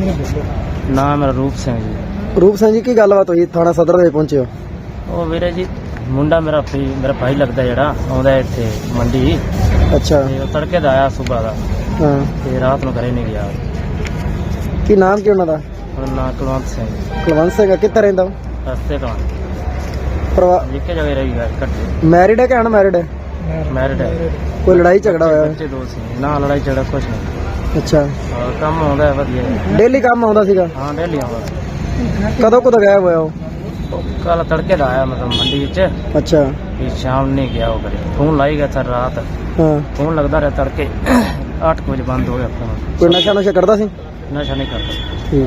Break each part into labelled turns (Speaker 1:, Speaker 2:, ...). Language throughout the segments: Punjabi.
Speaker 1: ਨਾਮ ਮੇਰਾ ਰੂਪ ਸਿੰਘ ਜੀ।
Speaker 2: ਰੂਪ ਸਿੰਘ ਜੀ, ਕੀ ਗੱਲਬਾਤ ਹੋਈ ਥਾਣਾ ਸਦਰ ਦੇ ਪਹੁੰਚੇ ਹੋ?
Speaker 1: ਉਹ ਵੀਰੇ ਜੀ ਮੁੰਡਾ ਮੇਰਾ ਭਾਈ ਲੱਗਦਾ ਜਿਹੜਾ ਆਉਂਦਾ ਇੱਥੇ ਮੰਡੀ।
Speaker 2: ਅੱਛਾ।
Speaker 1: ਤੇ ਉਹ ਤੜਕੇ ਦਾ ਆਇਆ ਸੁਬਾਹ ਦਾ
Speaker 2: ਹਾਂ।
Speaker 1: ਤੇ ਰਾਤ ਨੂੰ ਘਰੇ ਨਹੀਂ ਗਿਆ।
Speaker 2: ਕੀ ਨਾਮ ਕੀ ਉਹਨਾਂ ਦਾ?
Speaker 1: ਉਹਦਾ ਨਾਂ ਕੁਲਵੰਤ ਸਿੰਘ।
Speaker 2: ਕੁਲਵੰਤ ਸਿੰਘ ਕਿੱਥੇ ਰਹਿੰਦਾ ਉਹ?
Speaker 1: ਰਸਤੇ ਤੋਂ
Speaker 2: ਪਰਿਵਾਰ
Speaker 1: ਜਿੱਕੇ ਜਗ੍ਹਾ ਰਹੀ ਗਿਆ ਇਕੱਠੇ।
Speaker 2: ਮੈਰਿਡ ਹੈ ਕਿ ਅਨਮੈਰਿਡ ਹੈ?
Speaker 1: ਮੈਰਿਡ ਹੈ।
Speaker 2: ਕੋਈ ਲੜਾਈ ਝਗੜਾ ਹੋਇਆ?
Speaker 1: ਬੱਚੇ ਦੋ ਸੀ। ਨਾ ਲੜਾਈ ਝਗੜਾ ਕੁਛ ਨਹੀਂ।
Speaker 2: ਅੱਛਾ।
Speaker 1: ਔਰ ਕੰਮ ਆਉਂਦਾ ਵਧੀਆ।
Speaker 2: ਡੇਲੀ ਕੰਮ ਆਉਂਦਾ ਸੀਗਾ?
Speaker 1: ਹਾਂ ਡੇਲੀ ਆਉਂਦਾ।
Speaker 2: ਕਦੋਂ ਗਾਇਬ ਹੋਇਆ ਉਹ?
Speaker 1: ਕੱਲ ਤੜਕੇ ਦਾ ਆਇਆ ਮਤਲਬ ਮੰਡੀ ਵਿੱਚ।
Speaker 2: ਅੱਛਾ।
Speaker 1: ਤੇ ਸ਼ਾਮ ਨਹੀਂ ਗਿਆ ਉਹ ਘਰੇ। ਫੋਨ ਲਾਈ ਗਿਆ ਸਰ ਰਾਤ।
Speaker 2: ਹਾਂ।
Speaker 1: ਫੋਨ ਲੱਗਦਾ ਰਿਹਾ ਤੜਕੇ 8 ਵਜੇ ਬੰਦ ਹੋ ਗਿਆ ਫੋਨ।
Speaker 2: ਕੋਈ ਨਸ਼ਾ ਕਰਦਾ ਸੀ?
Speaker 1: ਨਸ਼ਾ ਨਹੀਂ ਕਰਦਾ।
Speaker 2: ਠੀਕ।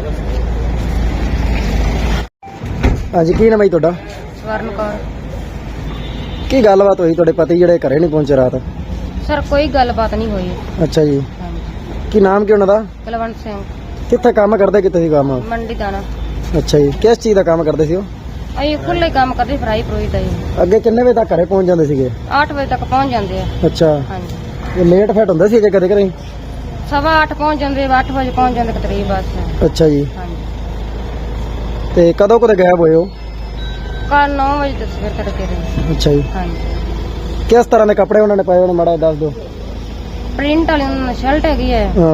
Speaker 2: ਹਾਂਜੀ, ਕੀ ਨਾਮ ਹੈ ਤੁਹਾਡਾ?
Speaker 3: ਸਵਰਨ ਕੌਰ।
Speaker 2: ਕੀ ਗੱਲਬਾਤ ਹੋਈ ਤੁਹਾਡੇ ਪਤੀ ਜਿਹੜੇ ਘਰੇ ਨਹੀਂ ਪਹੁੰਚੇ ਰਾਤ?
Speaker 3: ਸਰ ਕੋਈ ਗੱਲਬਾਤ ਨਹੀਂ ਹੋਈ।
Speaker 2: ਅੱਛਾ ਜੀ। ਕੀ ਨਾਮ ਕੀ ਉਹਨਾਂ ਦਾ?
Speaker 3: ਕੁਲਵੰਤ ਸਿੰਘ।
Speaker 2: ਕਿੱਥੇ ਕੰਮ ਕਰਦੇ? ਕਿੱਥੇ ਸੀ ਕੰਮ?
Speaker 3: ਮੰਡੀ ਦਾਣਾ।
Speaker 2: ਅੱਛਾ ਜੀ। ਕਿਸ ਚੀਜ਼ ਦਾ ਕੰਮ ਕਰਦੇ ਸੀ ਉਹ?
Speaker 3: ਅਸੀਂ ਖੁੱਲੇ ਕੰਮ ਕਰਦੇ, ਫਰਾਈ ਫਰੂਈ ਦਾ ਜੀ।
Speaker 2: ਅੱਗੇ ਕਿੰਨੇ ਵਜੇ ਤੱਕ ਘਰੇ ਪਹੁੰਚ ਜਾਂਦੇ ਸੀਗੇ?
Speaker 3: 8 ਵਜੇ ਤੱਕ ਪਹੁੰਚ ਜਾਂਦੇ ਆ।
Speaker 2: ਅੱਛਾ।
Speaker 3: ਹਾਂਜੀ।
Speaker 2: ਇਹ ਲੇਟ ਫੈਟ ਹੁੰਦੇ ਸੀਗੇ ਕਦੇ ਕਦੇ?
Speaker 3: 8:15 ਪਹੁੰਚ ਜਾਂਦੇ, 8 ਵਜੇ ਪਹੁੰਚ ਜਾਂਦੇ ਕਰੀਬ ਬਸ।
Speaker 2: ਅੱਛਾ ਜੀ।
Speaker 3: ਹਾਂਜੀ।
Speaker 2: ਤੇ ਕਦੋਂ ਗਾਇਬ ਹੋਏ ਉਹ?
Speaker 3: ਕੱਲ 9 ਵਜੇ ਤੱਕ ਸਵੇਰ ਤੜਕੇ ਦੇ।
Speaker 2: ਅੱਛਾ ਜੀ।
Speaker 3: ਹਾਂਜੀ।
Speaker 2: ਕਿਸ ਤਰ੍ਹਾਂ ਦੇ ਕੱਪੜੇ ਉਹਨਾਂ ਨੇ ਪਾਏ ਉਹਨੂੰ ਮਾੜਾ ਦੱਸ ਦਿਓ।
Speaker 3: ਪ੍ਰਿੰਟ ਵਾਲੀ ਉਹਨਾਂ ਸ਼ਰਟ ਹੈਗੀ ਹੈ
Speaker 2: ਹਾਂ।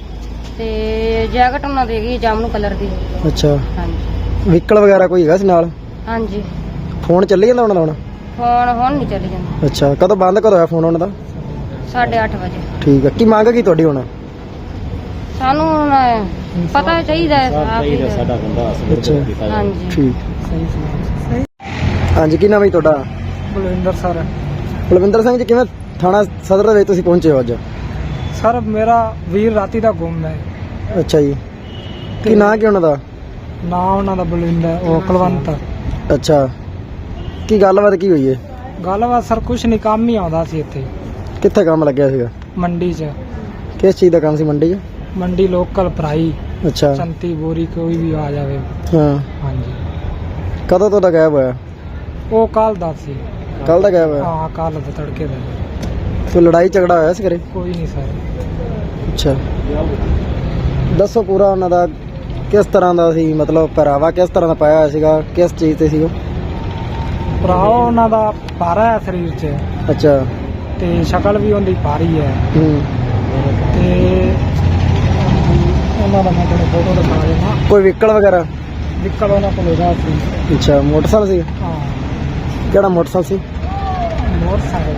Speaker 3: ਤੇ ਜੈਕਟ ਉਹਨਾਂ ਦੀ ਹੈਗੀ ਜਾਮਨੂ ਕਲਰ ਦੀ।
Speaker 2: ਅੱਛਾ।
Speaker 3: ਹਾਂਜੀ।
Speaker 2: ਵਹੀਕਲ ਵਗੈਰਾ ਕੋਈ ਹੈਗਾ ਸੀ ਨਾਲ?
Speaker 3: ਹਾਂਜੀ।
Speaker 2: ਫੋਨ ਚੱਲੀ ਜਾਂਦਾ ਉਹਨਾਂ ਦਾ ਹੁਣ?
Speaker 3: ਫੋਨ ਹੁਣ ਨਹੀਂ ਚੱਲੀ ਜਾਂਦਾ।
Speaker 2: ਅੱਛਾ। ਕਦੋਂ ਬੰਦ ਹੋਇਆ ਫੋਨ ਉਹਨਾਂ ਦਾ?
Speaker 3: 8:30 ਵਜੇ।
Speaker 2: ਠੀਕ ਹੈ। ਕੀ ਮੰਗ ਕੀ ਤੁਹਾਡੀ ਹੁਣ?
Speaker 3: ਸਾਨੂੰ ਹੁਣ ਪਤਾ ਚਾਹੀਦਾ ਹੈ
Speaker 1: ਸਾਡਾ ਬੰਦਾ
Speaker 2: ਅੱਛਾ।
Speaker 3: ਹਾਂਜੀ।
Speaker 2: ਠੀਕ। ਹਾਂਜੀ, ਕੀ ਨਾਮ ਹੈ ਤੁਹਾਡਾ?
Speaker 4: ਬਲਵਿੰਦਰ ਸਰ।
Speaker 2: ਬਲਵਿੰਦਰ ਸਿੰਘ ਜੀ, ਕਿਵੇਂ ਥਾਣਾ ਸਦਰ ਦੇ ਵਿੱਚ ਤੁਸੀਂ ਪਹੁੰਚੇ ਹੋ ਅੱਜ?
Speaker 4: ਸਰ ਮੇਰਾ ਵੀਰ ਰਾਤੀ ਦਾ ਗੁੰਮ ਹੈ।
Speaker 2: ਅੱਛਾ ਜੀ। ਕੀ ਨਾਂ ਕੀ ਉਹਨਾਂ ਦਾ?
Speaker 4: ਨਾਂ ਉਹਨਾਂ ਦਾ ਬਲਵਿੰਦਰ, ਉਹ ਕੁਲਵੰਤ।
Speaker 2: ਅੱਛਾ। ਕੀ ਗੱਲਬਾਤ ਕੀ ਹੋਈ ਹੈ?
Speaker 4: ਗੱਲਬਾਤ ਸਰ ਕੁਛ ਨਹੀਂ, ਕੰਮ ਹੀ ਆਉਂਦਾ ਸੀ ਇੱਥੇ
Speaker 2: ਕਿੱਥੇ ਕੰਮ ਲੱਗਿਆ ਸੀਗਾ?
Speaker 4: ਮੰਡੀ 'ਚ।
Speaker 2: ਕਿਸ ਚੀਜ਼ ਦਾ ਕੰਮ ਸੀ ਮੰਡੀ 'ਚ?
Speaker 4: ਮੰਡੀ ਲੋਕਲ ਫਰਾਈ,
Speaker 2: ਅੱਛਾ।
Speaker 4: ਸੰਤੀ ਬੋਰੀ ਕੋਈ ਵੀ ਆ ਜਾਵੇ।
Speaker 2: ਹਾਂ।
Speaker 4: ਹਾਂਜੀ।
Speaker 2: ਕਦੋਂ ਤੋਂ ਗਾਇਬ ਹੋਇਆ?
Speaker 4: ਉਹ ਕੱਲ ਦਾ ਸੀ।
Speaker 2: ਕੱਲ ਦਾ ਗਾਇਬ ਹੋਇਆ?
Speaker 4: ਹਾਂ, ਕੱਲ ਦਾ ਤੜਕੇ ਦਾ।
Speaker 2: ਕੋਈ ਲੜਾਈ ਝਗੜਾ ਹੋਇਆ ਸੀ ਘਰੇ?
Speaker 4: ਕੋਈ ਨਹੀਂ ਸਰ।
Speaker 2: ਅੱਛਾ। ਦੱਸੋ ਪੂਰਾ ਉਹਨਾਂ ਦਾ ਕਿਸ ਤਰ੍ਹਾਂ ਦਾ ਸੀ, ਮਤਲਬ ਪਹਿਰਾਵਾ ਕਿਸ ਤਰ੍ਹਾਂ ਦਾ ਪਾਇਆ ਹੋਇਆ ਸੀਗਾ, ਕਿਸ ਚੀਜ਼ ਤੇ ਸੀ ਉਹ?
Speaker 4: ਭਰਾ ਉਹਨਾਂ ਦਾ ਭਾਰਾ ਹੈ ਸਰੀਰ 'ਚ,
Speaker 2: ਅੱਛਾ।
Speaker 4: ਤੇ ਸ਼ਕਲ ਵੀ ਉਹਦੀ ਭਾਰੀ ਹੈ।
Speaker 2: ਹੂੰ।
Speaker 4: ਤੇ ਉਹਨਾਂ ਦਾ ਮੈਂ ਤੁਹਾਨੂੰ ਫੋਟੋ ਦਿਖਾ ਦੇਣਾ।
Speaker 2: ਕੋਈ ਵਹੀਕਲ ਵਗੈਰਾ?
Speaker 4: ਨਿਕਲ ਉਹਨਾਂ ਕੋਲ ਹੈਗਾ ਸੀ।
Speaker 2: ਅੱਛਾ। ਮੋਟਰਸਾਈਕਲ ਸੀ?
Speaker 4: ਹਾਂ।
Speaker 2: ਕਿਹੜਾ ਮੋਟਰਸਾਈਕਲ ਸੀ?
Speaker 4: ਮੋਟਰਸਾਈਕਲ।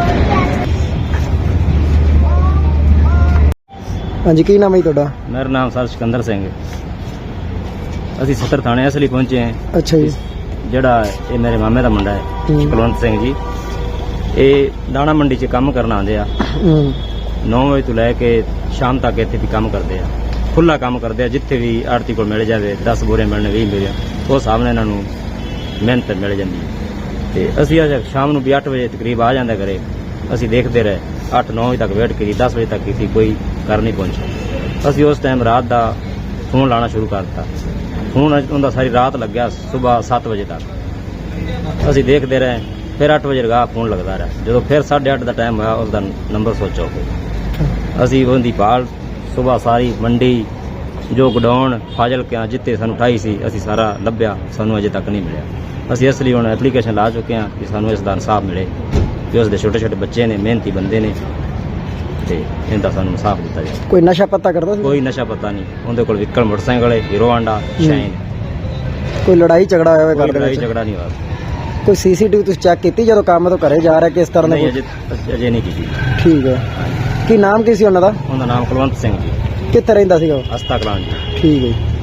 Speaker 2: ਹਾਂਜੀ, ਕੀ ਨਾਮ ਹੈ ਤੁਹਾਡਾ?
Speaker 1: ਮੇਰਾ ਨਾਮ ਸਰ ਸਿਕੰਦਰ ਸਿੰਘ ਹੈ। ਅਸੀਂ ਸਦਰ ਥਾਣੇ ਅਸਲੀ ਪਹੁੰਚੇ ਹਾਂ।
Speaker 2: ਅੱਛਾ ਜੀ।
Speaker 1: ਜਿਹੜਾ ਇਹ ਮੇਰੇ ਮਾਮੇ ਦਾ ਮੁੰਡਾ ਹੈ
Speaker 2: ਹੂੰ।
Speaker 1: ਕੁਲਵੰਤ ਸਿੰਘ ਜੀ, ਇਹ ਦਾਣਾ ਮੰਡੀ 'ਚ ਕੰਮ ਕਰਨ ਆਉਂਦੇ ਆ।
Speaker 2: ਹੂੰ।
Speaker 1: 9 ਵਜੇ ਤੋਂ ਲੈ ਕੇ ਸ਼ਾਮ ਤੱਕ ਇੱਥੇ ਵੀ ਕੰਮ ਕਰਦੇ ਆ। ਖੁੱਲਾ ਕੰਮ ਕਰਦੇ ਆ। ਜਿੱਥੇ ਵੀ ਆੜਤੀ ਕੋਲ ਮਿਲ ਜਾਵੇ, 10 ਬੋਰੇ ਮਿਲਣ 20 ਮਿਲ ਜਾਣ, ਉਹ ਸਾਹਮਣੇ ਇਹਨਾਂ ਨੂੰ ਮਿਹਨਤ ਮਿਲ ਜਾਂਦੀ ਹੈ। ਤੇ ਅਸੀਂ ਅੱਜ ਸ਼ਾਮ ਨੂੰ ਵੀ 8 ਵਜੇ ਤਕਰੀਬ ਆ ਜਾਂਦਾ ਘਰੇ। ਅਸੀਂ ਦੇਖਦੇ ਰਹੇ 8-9 ਵਜੇ ਤੱਕ ਵੇਟ ਕੀਤੀ, 10 ਵਜੇ ਤੱਕ ਕੀਤੀ, ਕੋਈ ਘਰ ਨਹੀਂ ਪਹੁੰਚਿਆ। ਅਸੀਂ ਉਸ ਟਾਈਮ ਰਾਤ ਦਾ ਫੋਨ ਲਾਉਣਾ ਸ਼ੁਰੂ ਕਰ ਦਿੱਤਾ। ਫੋਨ ਉਹਦਾ ਸਾਰੀ ਰਾਤ ਲੱਗਿਆ, ਸਵੇਰ 7 ਵਜੇ ਤੱਕ ਅਸੀਂ ਦੇਖਦੇ ਰਹੇ। ਫਿਰ 8 ਵਜੇ ਲਗਾ ਫੋਨ ਲੱਗਦਾ ਰਿਹਾ। ਜਦੋਂ ਫਿਰ 8:30 ਦਾ ਟਾਈਮ ਹੋਇਆ, ਉਸਦਾ ਨੰਬਰ ਸਵਿਚ ਹੋ ਗਿਆ। ਅਸੀਂ ਉਹਦੀ ਭਾਲ ਸਵੇਰ ਸਾਰੀ ਮੰਡੀ, ਜੋ ਗਡਾਊਨ ਫਾਜ਼ਿਲਕਿਆਂ ਜਿੱਥੇ ਸਾਨੂੰ ਉਠਾਈ ਸੀ, ਅਸੀਂ ਸਾਰਾ ਲੱਭਿਆ, ਸਾਨੂੰ ਅਜੇ ਤੱਕ ਨਹੀਂ ਮਿਲਿਆ। ਅਸੀਂ ਇਸ ਲਈ ਹੁਣ ਐਪਲੀਕੇਸ਼ਨ ਲਾ ਚੁੱਕੇ ਹਾਂ ਕਿ ਸਾਨੂੰ ਇਸ ਦਾ ਇਨਸਾਫ ਮਿਲੇ, ਕਿ ਉਸ ਦੇ ਛੋਟੇ ਛੋਟੇ ਬੱਚੇ ਨੇ, ਮਿਹਨਤੀ ਬੰਦੇ ਨੇ, ਤੇ ਇਹਦਾ ਸਾਨੂੰ ਇਨਸਾਫ ਦਿੱਤਾ ਜਾਵੇ।
Speaker 2: ਕੋਈ ਨਸ਼ਾ ਪੱਤਾ ਕਰਦਾ ਸੀ?
Speaker 1: ਕੋਈ ਨਸ਼ਾ ਪਤਾ ਨਹੀਂ। ਉਹਦੇ ਕੋਲ ਵਹੀਕਲ ਮੋਟਰਸਾਈਕਲ ਹੈ, ਹੀਰੋ ਹਾਂਡਾ, ਸ਼ਾਈਨ।
Speaker 2: ਕੋਈ ਲੜਾਈ ਝਗੜਾ ਹੋਇਆ ਹੋਵੇ
Speaker 1: ਕੋਈ
Speaker 2: ਘਰ ਦੇ
Speaker 1: ਲੜਾਈ
Speaker 2: ਵਿੱਚ?
Speaker 1: ਝਗੜਾ ਨਹੀਂ ਹੋਇਆ।
Speaker 2: ਕੋਈ ਸੀਸੀਟੀਵੀ ਤੁਸੀਂ ਚੈੱਕ ਕੀਤੀ ਜਦੋਂ ਕੰਮ ਤੋਂ ਘਰੇ ਜਾ ਰਿਹਾ ਕਿਸ ਤਰ੍ਹਾਂ ਦਾ?
Speaker 1: ਨਹੀਂ, ਅਜੇ ਨਹੀਂ ਕੀਤੀ।
Speaker 2: ਠੀਕ ਹੈ। ਕੀ ਨਾਮ ਕੀ ਸੀ ਉਹਨਾਂ ਦਾ?
Speaker 1: ਉਹਦਾ ਨਾਮ ਕੁਲਵੰਤ ਸਿੰਘ ਜੀ,
Speaker 2: ਕਿੱਥੇ ਰਹਿੰਦਾ ਸੀਗਾ ਉਹ?
Speaker 1: ਹਸਤਾ ਕਲਾਂ ਜੀ।
Speaker 2: ਠੀਕ ਹੈ ਜੀ।